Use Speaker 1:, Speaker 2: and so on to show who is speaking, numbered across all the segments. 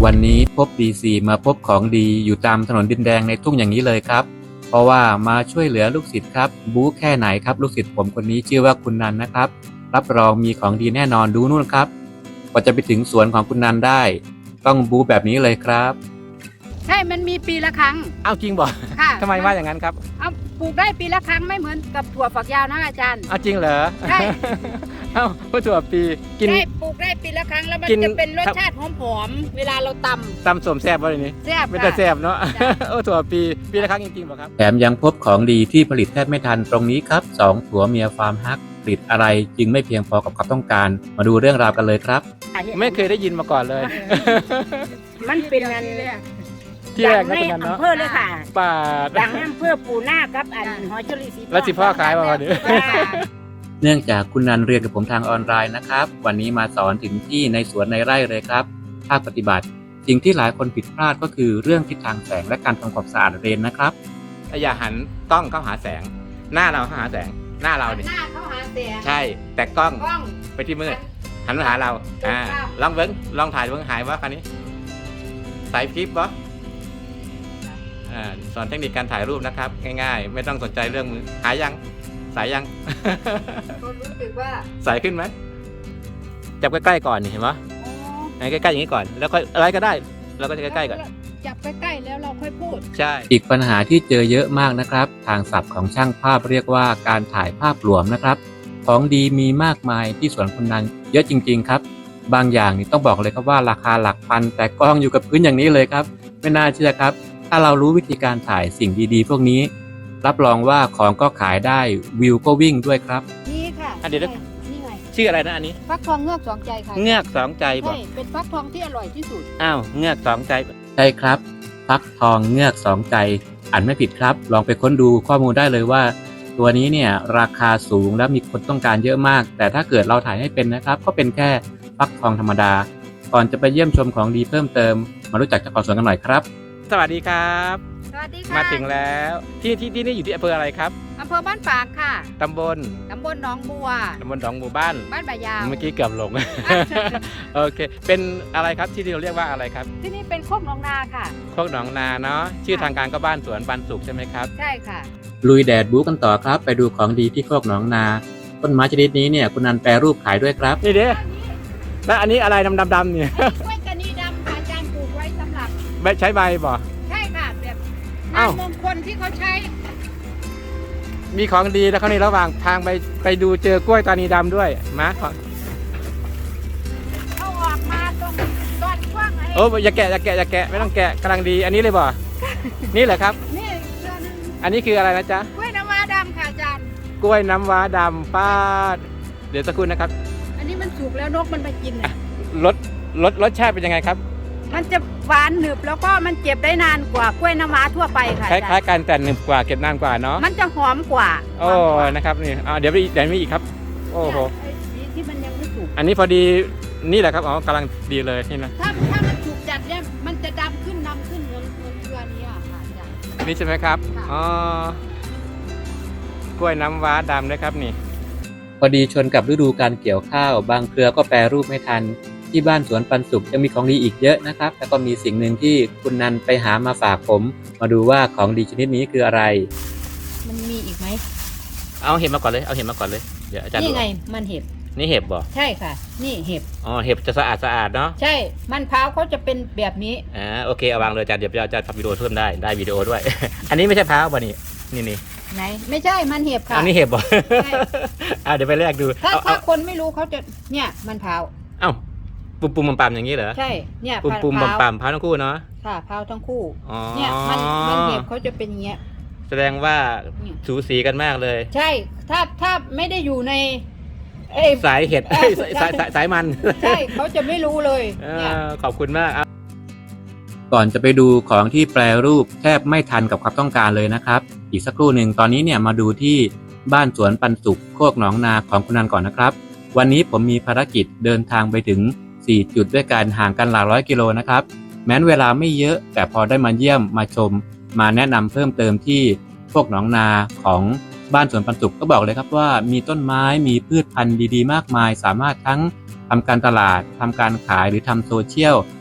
Speaker 1: วันนี้พบดีซีมาพบของดีอยู่ตามถนนดินแดงในทุ่งอย่างนี้เลยครับเพราะว่ามาช่วยเหลือลูกศิษย์ครับบู๊แค่ไหนครับลูกศิษย์ผมคนนี้ชื่อว่าคุณนันนะครับรับรองมีของดีแน่นอนดูนู่นครับกว่าจะไปถึงสวนของคุณนันได้ต้องบู๊แบบนี้เลยครับ
Speaker 2: ใช่มันมีปีละครั้ง
Speaker 3: อ้าวจริงบ่
Speaker 2: ค่ะ
Speaker 3: ทำไมว่าอย่างนั้นครับ
Speaker 2: เอาปลูกได้ปีละครั้งไม่เหมือนกับถั่วฝักยาวนะอาจารย์
Speaker 3: อ้าวจริงเหรอ
Speaker 2: ใช่
Speaker 3: เอ้าถั่วปีกิน
Speaker 2: ได้ปลูกได้ปีละครั้งแล้วมันจะเป็นรสชาติหอมๆเวลาเราต
Speaker 3: ำสมแซ่บวะนี่
Speaker 2: แซ่บ
Speaker 3: เป็นแต่แซ่บเนาะถั่วปีละครั้งจริงๆบ่ครับ
Speaker 1: แถมยังพบของดีที่ผลิตแทบไม่ทันตรงนี้ครับ2ผัวเมียฟาร์มฮักผลิตอะไรจึงไม่เพียงพอกับความต้องการมาดูเรื่องราวกันเลยครับ
Speaker 3: ไม่เคยได้ยินมาก่อนเลย
Speaker 2: มันเป็นงาน
Speaker 3: ที่แรกนะเป็นงาน
Speaker 2: เนาะ
Speaker 3: อำ
Speaker 2: เภอเลยค่ะ
Speaker 3: ป่า
Speaker 2: ดังอำเภอปูนาครับอันหอยเชอรี่สี
Speaker 3: แล้วสิพ่อขายมาวันนี้
Speaker 1: เนื่องจากคุณนันเรียนกับผมทางออนไลน์นะครับวันนี้มาสอนถึงที่ในสวนในไร่เลยครับภาคปฏิบัติสิ่งที่หลายคนผิดพลาดก็คือเรื่องทิศทางแสงและการทำความสะอาดเรนนะครับ
Speaker 3: อย่าหันกล้องเข้าหาแสงหน้าเราเข้าหาแสงหน้าเราเนี่ย
Speaker 2: หน้าเข้าหาแสง
Speaker 3: ใช่แต่กล้องไปที่มืดหันมาหาเราลองเบิ้งลองถ่ายเบิ้งหายว่าคันนี้ใส่คลิปปะสอนเทคนิคการถ่ายรูปนะครับง่ายๆไม่ต้องสนใจเรื่องมือหายยังสายยัง
Speaker 2: รู้สึกว่า
Speaker 3: สายขึ้นไหมจับใกล้ๆก่อนเห็นไหมใกล้ๆอย่างนี้ก่อนแล้วค่อยอะไรก็ได้เราก็จะใกล้ๆก่อน
Speaker 2: จับใกล้ๆแล้วเราค่อยพูด
Speaker 3: ใช่
Speaker 1: อีกปัญหาที่เจอเยอะมากนะครับทางศัพท์ของช่างภาพเรียกว่าการถ่ายภาพรวมนะครับของดีมีมากมายที่สวนคุณนันเยอะจริงๆครับบางอย่างนี่ต้องบอกเลยครับว่าราคาหลักพันแต่กล้องอยู่กับพื้นอย่างนี้เลยครับไม่น่าเชื่อครับถ้าเรารู้วิธีการถ่ายสิ่งดีๆพวกนี้รับรองว่าของก็ขายได้วิวก็วิ่งด้วยครับ
Speaker 2: นี่ค่ะ
Speaker 3: เดี๋ยว
Speaker 2: นี่ไง
Speaker 3: ชื่ออะไรนะอันนี้
Speaker 2: ฟักทองเงือกสองใจค่ะ
Speaker 3: เงือกสองใจบอก
Speaker 2: ใช่เป็นฟักทองที่อร่อยที่สุด
Speaker 3: อ้าวเงือกสองใจ
Speaker 1: ใช่ครับฟักทองเงือกสองใจอ่านไม่ผิดครับลองไปค้นดูข้อมูลได้เลยว่าตัวนี้เนี่ยราคาสูงและมีคนต้องการเยอะมากแต่ถ้าเกิดเราถ่ายให้เป็นนะครับก็เป็นแค่ฟักทองธรรมดาก่อนจะไปเยี่ยมชมของดีเพิ่มเติมมารู้จักเจ้าของสวนกันหน่อยครับ
Speaker 3: สวัสดีครับ
Speaker 2: สวัสดีค่ะ
Speaker 3: มาถึงแล้วที่นี่อยู่ที่อำเภออะไรครับ
Speaker 2: อำเภอบ้านฝางค่ะ
Speaker 3: ตำบล
Speaker 2: หนองบัว
Speaker 3: ตำบลหนองบัวบ้าน
Speaker 2: บ่ายาว
Speaker 3: เมื่อกี้เกือบหลงโอเคเป็นอะไรครับที่เราเรียกว่าอะไรครับ
Speaker 2: ที่นี่เป็นโคกหนองนาค่ะ
Speaker 3: โคกหนองนาเนาะชื่อทางการก็บ้านสวนปันสุขใช่ไหมครับ
Speaker 2: ใช่ค่ะ
Speaker 1: ลุยแดดบู๊กันต่อครับไปดูของดีที่โคกหนองนาต้นไม้ชนิดนี้เนี่ยคุณนันแปรรูปขายด้วยครับ
Speaker 3: นี่เด้แล้วอันนี้อะไรดำเนี่ย
Speaker 2: กล้วยกระนีดำค่ะอาจารย์ปลูกไว้สำหรับ
Speaker 3: ใช้ใบบ่
Speaker 2: ใช่ค่ะแบบงานมงคลที่เขาใช้
Speaker 3: มีของดีแล้วเขาในระหว่างทางไปดูเจอกล้วยตานีดำด้วยมา
Speaker 2: เอาออกมาตรงต้นกว้างไง
Speaker 3: โอ้อย่าแกะไม่ต้องแกะกำลังดีอันนี้เลยบ่นี่แหละครับ
Speaker 2: นี่
Speaker 3: อันนี้คืออะไรนะจ๊ะ
Speaker 2: กล้วยน้ำว้าดำค่ะอาจารย์
Speaker 3: กล้วยน้ำว้าดำป้าเดี๋ยวสักครู่นะครับ
Speaker 2: อันนี้มันสุกแล้วนกมันไปกิน
Speaker 3: รสชาติเป็นยังไงครับ
Speaker 2: มันจะหวานหนึบแล้วก็มันเก็บได้นานกว่ากล้วยน้ำว้าทั่วไปค่ะ
Speaker 3: คล้ายๆกันแต่หนึบกว่าเก็บนานกว่าเนาะ
Speaker 2: มันจะหอมกว่า
Speaker 3: โอ้นะครับนี่เดี๋ยวมีอีกครับโอ้โห
Speaker 2: ที่มันยังไม่สุก
Speaker 3: อันนี้พอดีนี่แหละครับอ๋อกำลังดีเลยนี่นะ
Speaker 2: ถ้ามันสุกจัดเนี่ยมันจะดำขึ้นเหมือนเกลือนี้ค่ะอาจารย์
Speaker 3: นี่ใช่ไหมครับอ๋อกล้วยน้ำว้าดำนะครับนี่
Speaker 1: พอดีชนกับฤดูการเกี่ยวข้าวบางเครือก็แปรรูปไม่ทันที่บ้านสวนปันสุขยังมีของดีอีกเยอะนะครับแล้วก็มีสิ่งหนึ่งที่คุณนันไปหามาฝากผมมาดูว่าของดีชนิดนี้คืออะไร
Speaker 2: มันมีอีกไหม
Speaker 3: เอาเห็บมาก่อนเลยเดี๋ยวอาจารย์
Speaker 2: นี่ไงมันเห็บ
Speaker 3: นี่เห็บบ่
Speaker 2: ใช่ค่ะนี่เห็บ
Speaker 3: เห็บจะสะอาดเนาะ
Speaker 2: ใช่มันพร้าวเขาจะเป็นแบบนี้
Speaker 3: โอเคเอาวางเลยอาจารย์เดี๋ยวจะทำวิดีโอเพิ่มได้วิดีโอด้วย อันนี้ไม่ใช่พร้าวบ่นี่
Speaker 2: ไหนไม่ใช่มันเห็บค่ะ
Speaker 3: อันนี้เห็บบ่เดี๋ยวไปแลกดู
Speaker 2: ถ้าคนไม่รู้เขาจะเนี่ยมันพร้าว
Speaker 3: ปุ่มปั๊มอย่างนี้เหรอ
Speaker 2: ใช่เนี่ย
Speaker 3: ปุ่มปั๊มพร้าวทั้งคู่เนาะ
Speaker 2: ค่ะพร้าวทั้งคู่เนี่ยมันเห็บเขาจะเป็นอย่างเงี้ย
Speaker 3: แสดงว่าสูสีกันมากเลย
Speaker 2: ใช่ถ้าไม่ได้อยู่ใน
Speaker 3: สายเห็ดสายมัน
Speaker 2: ใช่เขาจะไม่รู้เลย
Speaker 3: ขอบคุณมาก
Speaker 1: ก่อนจะไปดูของที่แปรรูปแทบไม่ทันกับความต้องการเลยนะครับอีกสักครู่หนึ่งตอนนี้เนี่ยมาดูที่บ้านสวนปันสุขโคกหนองนาของคุณนันก่อนนะครับวันนี้ผมมีภารกิจเดินทางไปถึง4 จุดด้วยกันห่างกันหลายร้อยกิโลนะครับแม้เวลาไม่เยอะแต่พอได้มาเยี่ยมมาชมมาแนะนำเพิ่มเติมที่โคกหนองนาของบ้านสวนปันสุขก็บอกเลยครับว่ามีต้นไม้มีพืชพันธุ์ดีๆมากมายสามารถทั้งทำการตลาดทำการขายหรือทำโซเชียล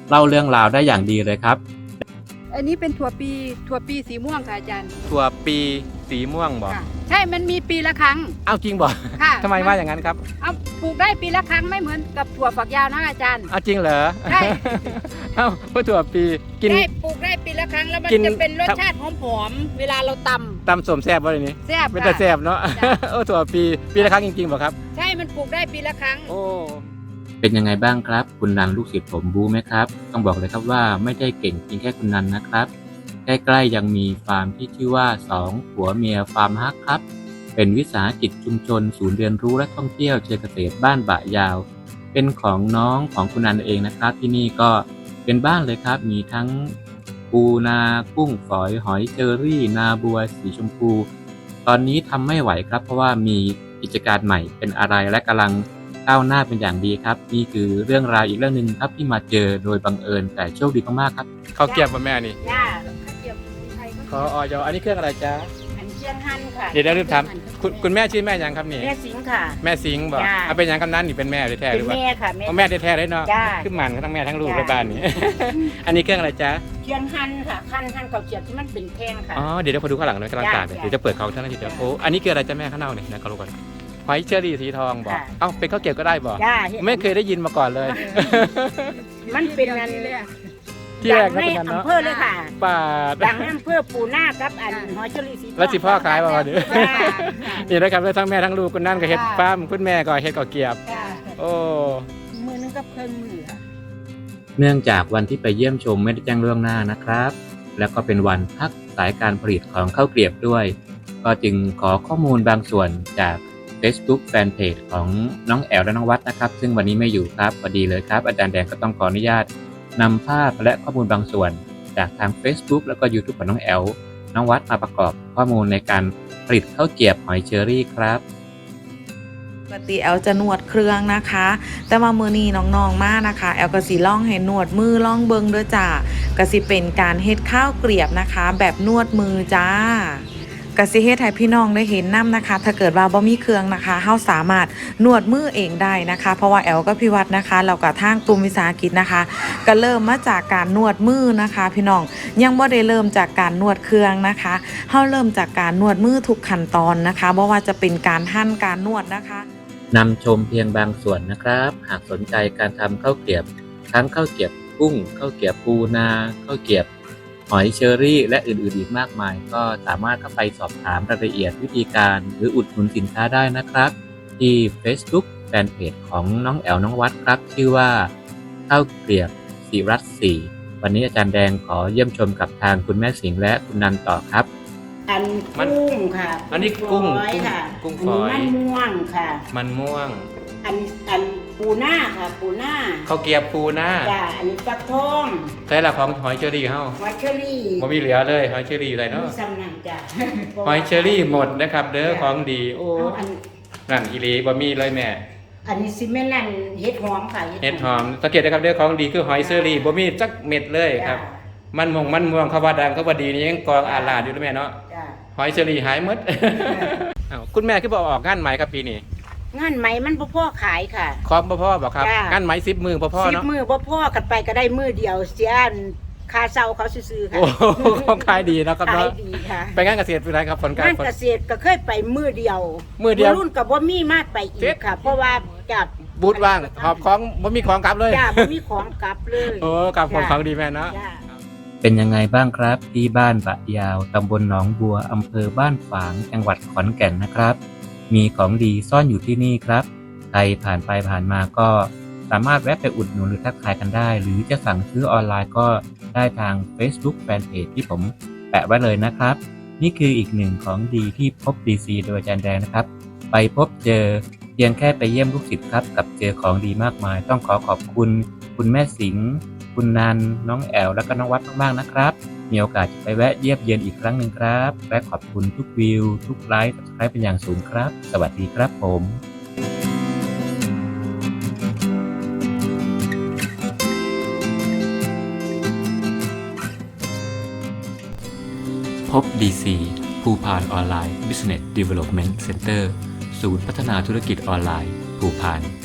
Speaker 1: เล่าเรื่องราวได้อย่างดีเลยครับ
Speaker 2: อันนี้เป็นถั่วปีสีม่วงค่ะอาจารย์
Speaker 3: ถั่วปีสีม่วงบ่
Speaker 2: ค่ะใช่มันมีปีละครั้ง
Speaker 3: เอ้าจริงบ่
Speaker 2: ค่ะ
Speaker 3: ทำไมว่าอย่างนั้นครับ
Speaker 2: เอาปลูกได้ปีละครั้งไม่เหมือนกับถั่วฝักยาวนะอาจารย์
Speaker 3: เอ้าจริงเหรอ
Speaker 2: ใช่
Speaker 3: เอ้าเพราะถั่วปีกิน
Speaker 2: ได้ปลูกได้ปีละครั้งแล้วมัน
Speaker 3: กิน
Speaker 2: จะเป็นรสชาติหอมๆเวลาเราต
Speaker 3: ตำสมแซ่บบ่เลยนี่
Speaker 2: ำแซ่บ
Speaker 3: เป็น
Speaker 2: ค่ะ
Speaker 3: แต่แซ่บเนาะ
Speaker 2: จ้ะ
Speaker 3: โอ้ถั่วปีละครั้งจริงๆบ่ครับ
Speaker 2: ใช่มันปลูกได้ปีละครั้ง
Speaker 3: โอ้
Speaker 1: เป็นยังไงบ้างครับ คุณนันลูกศิษย์ผมบู๊ไหมครับ ต้องบอกเลยครับว่าไม่ได้เก่งเพียงแค่คุณนันนะครับ ใกล้ๆยังมีฟาร์มที่ชื่อว่า2ผัวเมียฟาร์มฮักครับ เป็นวิสาหกิจชุมชนศูนย์เรียนรู้และท่องเที่ยวเชิงเกษตรบ้านบะยาว เป็นของน้องของคุณนันเองนะครับ ที่นี่ก็เป็นบ้านเลยครับ มีทั้งปูนากุ้งฝอยหอยเชอรี่ นาบัวสีชมพู ตอนนี้ทำไม่ไหวครับ เพราะว่ามีกิจการใหม่เป็นอะไรและกำลังก้าวหน้าเป็นอย่างดีครับนี่คือเรื่องราวอีกเรื่องหนึ่งครับที่มาเจอโดยบังเอิญแต่โชคดีมากๆครับ
Speaker 3: ข้าวเกรี๊ยวบ่แม่นี่
Speaker 2: ย่าข้าวเกรี๊ยวไทยก็
Speaker 3: ขอออยอันนี้เครื่องอะไรจ๊ะ
Speaker 2: อันเชียงฮั่นค่ะ
Speaker 3: เดี๋ยวลืมถามคุณแม่ชื่อแม่ยังครับนี่
Speaker 2: แม่สิงห์ค่ะ
Speaker 3: แม่สิงห์บ่
Speaker 2: จ้า
Speaker 3: เอาเป็นยังกำนันนี่เป็นแม่แท้ๆห
Speaker 2: เป็
Speaker 3: รื
Speaker 2: น
Speaker 3: อว่า
Speaker 2: แม่ค่ะ
Speaker 3: เอาแม่แท้ๆเลยเนาะ
Speaker 2: จ้า
Speaker 3: ขึ้นมันทั้งแม่ทั้งลูก
Speaker 2: จ้า
Speaker 3: ในบ้านนี้ อันนี้เครื่องอะไรจ๊ะ
Speaker 2: เชียงฮั่นค่ะหั่นข้าวเกรี๊ยวที่มันเป็นแท่งค่ะ
Speaker 3: อ๋อเดี๋ยวพอดูข้างหลังหน่อยกำลังตากเนี่ย
Speaker 2: จ้า
Speaker 3: เดี๋ยวจะเปิดเขาเท่านั้นทีเดียวโอ้อันนี้คืออะไรจ๊ะแม่ข้างนอกนี่นะเขารู้ก่อนหอยเชอรี่สีทองบ่
Speaker 2: ค่ะ
Speaker 3: เอ้าเป็นข้าวเกรี๊ยวก็ได้บ่
Speaker 2: จ้า
Speaker 3: ไม่เคยได้ยินมาก่อนเลย
Speaker 2: มันเป็นอัน
Speaker 3: ที่แรกนะ
Speaker 2: ใน
Speaker 3: คุณนันเนาะ
Speaker 2: อำเภอเลยค่ะ
Speaker 3: ปาด
Speaker 2: ดังในอำเภอปูนากับอันหอยเชอรี่สีทอง
Speaker 3: แล้วสิพ่อขายบ่วะเนี่ย
Speaker 2: จ้า
Speaker 3: นี่นะครับแล้วทั้งแม่ทั้งลูกคุณนั่นก็เฮ็ด
Speaker 2: จ้า
Speaker 3: ฟาร์มคุณแม่ก็เฮ็ดข้าวเกรี๊ยว
Speaker 2: จ้า
Speaker 3: โอ้
Speaker 2: มือนึงกับเครื่องมือค่ะ
Speaker 1: เนื่องจากวันที่ไปเยี่ยมชมไม่ได้แจ้งล่วงหน้านะครับ แล้วก็เป็นวันพักสายการผลิตของข้าวเกรียบด้วย ก็จึงขอข้อมูลบางส่วนจาก Facebook Fanpage ของน้องแอลและน้องวัดนะครับ ซึ่งวันนี้ไม่อยู่ครับพอดีเลยครับ อาจารย์แดงก็ต้องขออนุญาตนำภาพและข้อมูลบางส่วน จากทาง Facebook แล้วก็ YouTube ของน้องแอลน้องวัดมาประกอบข้อมูลในการผลิตข้าวเกรียบหอยเชอรี่ครับ
Speaker 4: ปกติแอลจะนวดเครื่องนะคะ แต่มามือนี้น้องๆมานะคะแอลก็สิล่องให้นวดมือล่องเบิงด้วยจ้าก็สิเป็นการเฮ็ดข้าวเกรียบนะคะ แบบนวดมือจ้ากสิเฮ็ดให้พี่น้องได้เห็นน้ำนะคะ ถ้าเกิดว่าบ่มีเครื่องนะคะเฮาสามารถนวดมือเองได้นะคะ เพราะว่าแอลกับพี่วัดนะคะแล้วก็ทางกลุ่มวิสาหกิจนะคะ ก็เริ่มมาจากการนวดมือนะคะ พี่น้องยังบ่ได้เริ่มจากการนวดเครื่องนะคะเฮาเริ่มจากการนวดมือทุกขั้นตอนนะคะบ่ว่าจะเป็นการหั่นการนวดนะคะ
Speaker 1: นำชมเพียงบางส่วนนะครับ หากสนใจการทำข้าวเกรียบ ทั้งข้าวเกรียบกุ้งข้าวเกรียบปูนาข้าวเกรียบหอยเชอรี่ และอื่นๆอีกมากมาย ก็สามารถเข้าไปสอบถามรายละเอียดวิธีการหรืออุดหนุนสินค้าได้นะครับ ที่ Facebook Fanpage ของน้องแอลน้องวัดครับ ชื่อว่าข้าวเกรียบศิรัตน์4วันนี้อาจารย์แดงขอเยี่ยมชมกับทางคุณแม่สิงห์และคุณนันต่อครับ
Speaker 2: อันกุ้งค่ะ
Speaker 3: อันนี้กุ้ง
Speaker 2: ฝอยค่ะ
Speaker 3: กุ้ง
Speaker 2: อัน
Speaker 3: ฝอย
Speaker 2: นี้มันม่วงค่ะ
Speaker 3: มันม่วง
Speaker 2: อันปูหน้าค่ะ ปูหน้า
Speaker 3: ข้าวเกรี๊ยวปูหน้า
Speaker 2: จ้าอันนี้ฟักทอง
Speaker 3: ใช่ละของหอยเชอรี่เฮา
Speaker 2: หอยเชอรี่
Speaker 3: บ่มีเหลือเลยหอยเชอรี่อยู่ไหนเนาะ
Speaker 2: มีสำนักจ้า
Speaker 3: หอยเชอรี่หมดนะครับเด้อของดีโอ้
Speaker 2: เอาอัน
Speaker 3: นั่นอีหลีบ่มีเลยแม่
Speaker 2: อันนี้ซิเมนต์นั่นเห็ดหอมค่ะ
Speaker 3: เห็ดหอมสังเกตนะครับเด้อของดีคือหอยเชอรี่บ่มีจักเม็ดเลยครับ มันม่วงเขาว่าดังเขาว่าดีนี่ยังกองอาลาดอยู่นะแม่เนาะ
Speaker 2: จ้า
Speaker 3: หอยเชอรี่หายหมด อ้าวคุณแม่คือบอกออกงานไหมครับปีนี้
Speaker 2: งานไหมมันบ่พ่อขายค่ะ
Speaker 3: คอมพ่อบอกครับ
Speaker 2: จ้าง
Speaker 3: งานไหม10 มือพ่อ
Speaker 2: สิบ
Speaker 3: เนาะ
Speaker 2: มือบ่พ่อกันไปก็ได้มือเดียวเสียอันค่าเช่าเขาซื้อๆค่ะ
Speaker 3: โอ้โหของขายดีเนาะครับ
Speaker 2: ขาย
Speaker 3: เนาะ
Speaker 2: ดีค่ะ
Speaker 3: ไปงานเกษตรเป็นไรครับผลการ
Speaker 2: งาน
Speaker 3: ผล
Speaker 2: เกษตรก็เคยไปมือเดียว
Speaker 3: มื้อเดียว
Speaker 2: รุ่นกับบ่มีมากไปอีกค่ะ เพราะว่าจาก
Speaker 3: บูธว่างหอบของบ่มีของกลับเลย
Speaker 2: จ้าบ่มีของกลับเลย
Speaker 3: โอ้กลับของดีแม่เนาะ
Speaker 2: จ้า
Speaker 1: เป็นยังไงบ้างครับที่บ้านบะยาวตำบลหนองบัวอำเภอบ้านฝางจังหวัดขอนแก่นนะครับ มีของดีซ่อนอยู่ที่นี่ครับใครผ่านไปผ่านมาก็สามารถแวะไปอุดหนุนหรือทักทายกันได้ หรือจะสั่งซื้อออนไลน์ก็ได้ทาง Facebook Fanpage ที่ผมแปะไว้เลยนะครับ นี่คืออีกหนึ่งของดีที่พบ DC โดยอาจารย์แดงนะครับ ไปพบเจอเพียงแค่ไปเยี่ยมลูกศิษย์ครับกับเจอของดีมากมาย ต้องขอบคุณคุณแม่สิงห์คุณนันน้องแอลและก็น้องวัดมากๆนะครับ มีโอกาสจะไปแวะเยี่ยมเยียนอีกครั้งหนึ่งครับ และขอบคุณทุกวิว ทุกไลค์ทุกไลค์เป็นอย่างสูงครับ สวัสดีครับผม พบ DC ภูพานออนไลน์ Business Development Center ศูนย์พัฒนาธุรกิจออนไลน์ภูพาน